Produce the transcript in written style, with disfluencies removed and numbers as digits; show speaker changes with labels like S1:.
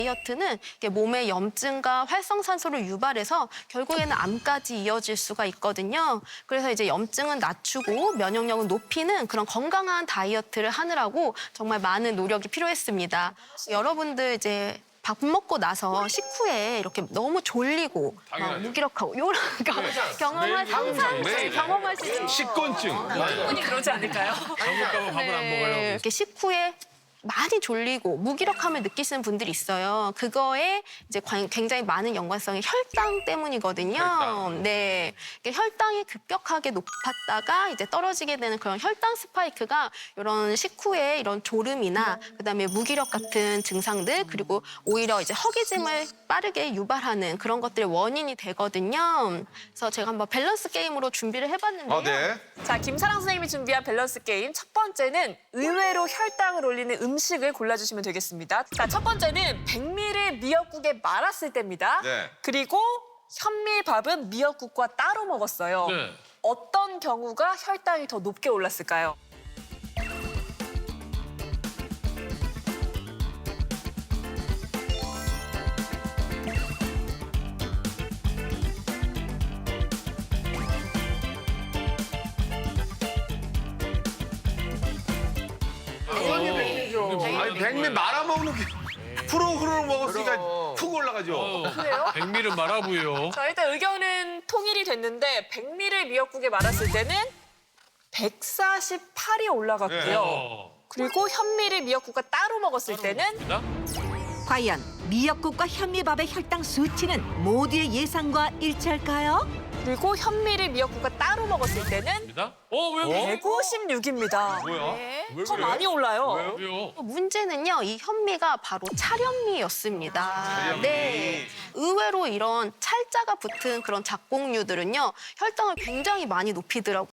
S1: 다이어트는 이게 몸의 염증과 활성산소를 유발해서 결국에는 암까지 이어질 수가 있거든요. 그래서 이제 염증은 낮추고 면역력은 높이는 그런 건강한 다이어트를 하느라고 정말 많은 노력이 필요했습니다. 여러분들 이제 밥 먹고 나서 식후에 이렇게 너무 졸리고 막 무기력하고 이런 거 항상 경험하시죠?
S2: 식곤증.
S3: 충분히 그러지 않을까요?
S2: 잘못하면 밥을 안 먹어요.
S1: 이렇게 식후에 많이 졸리고 무기력함을 느끼시는 분들이 있어요. 그거에 이제 굉장히 많은 연관성이 혈당 때문이거든요.
S2: 혈당.
S1: 네, 이게 혈당이 급격하게 높았다가 이제 떨어지게 되는 그런 혈당 스파이크가 이런 식후에 이런 졸음이나 그다음에 무기력 같은 증상들 그리고 오히려 이제 허기짐을 빠르게 유발하는 그런 것들의 원인이 되거든요. 그래서 제가 한번 밸런스 게임으로 준비를 해봤는데요.
S2: 아, 네.
S3: 자, 김사랑 선생님이 준비한 밸런스 게임 첫 번째는 의외로 혈당을 올리는 음식을 골라주시면 되겠습니다. 자, 첫 번째는 백미를 미역국에 말았을 때입니다.
S2: 네.
S3: 그리고 현미밥은 미역국과 따로 먹었어요.
S4: 네.
S3: 어떤 경우가 혈당이 더 높게 올랐을까요?
S2: 아니, 백미 말아먹는 게 후루후루 먹었으니까 푹 올라가죠.
S4: 백미를 말아보요.
S3: 자, 일단 의견은 통일이 됐는데 백미를 미역국에 말았을 때는 148이 올라갔고요. 그리고 현미를 미역국과 따로 먹었을 때는
S5: 과연 미역국과 현미밥의 혈당 수치는 모두의 예상과 일치할까요?
S3: 그리고 현미를 미역국과 따로 먹었을 때는
S4: 왜?
S3: 156입니다.
S2: 뭐야? 왜
S3: 더
S2: 그래?
S3: 많이 올라요.
S4: 왜요?
S1: 문제는요, 이 현미가 바로 찰현미였습니다. 네. 의외로 이런 찰자가 붙은 그런 작곡류들은요, 혈당을 굉장히 많이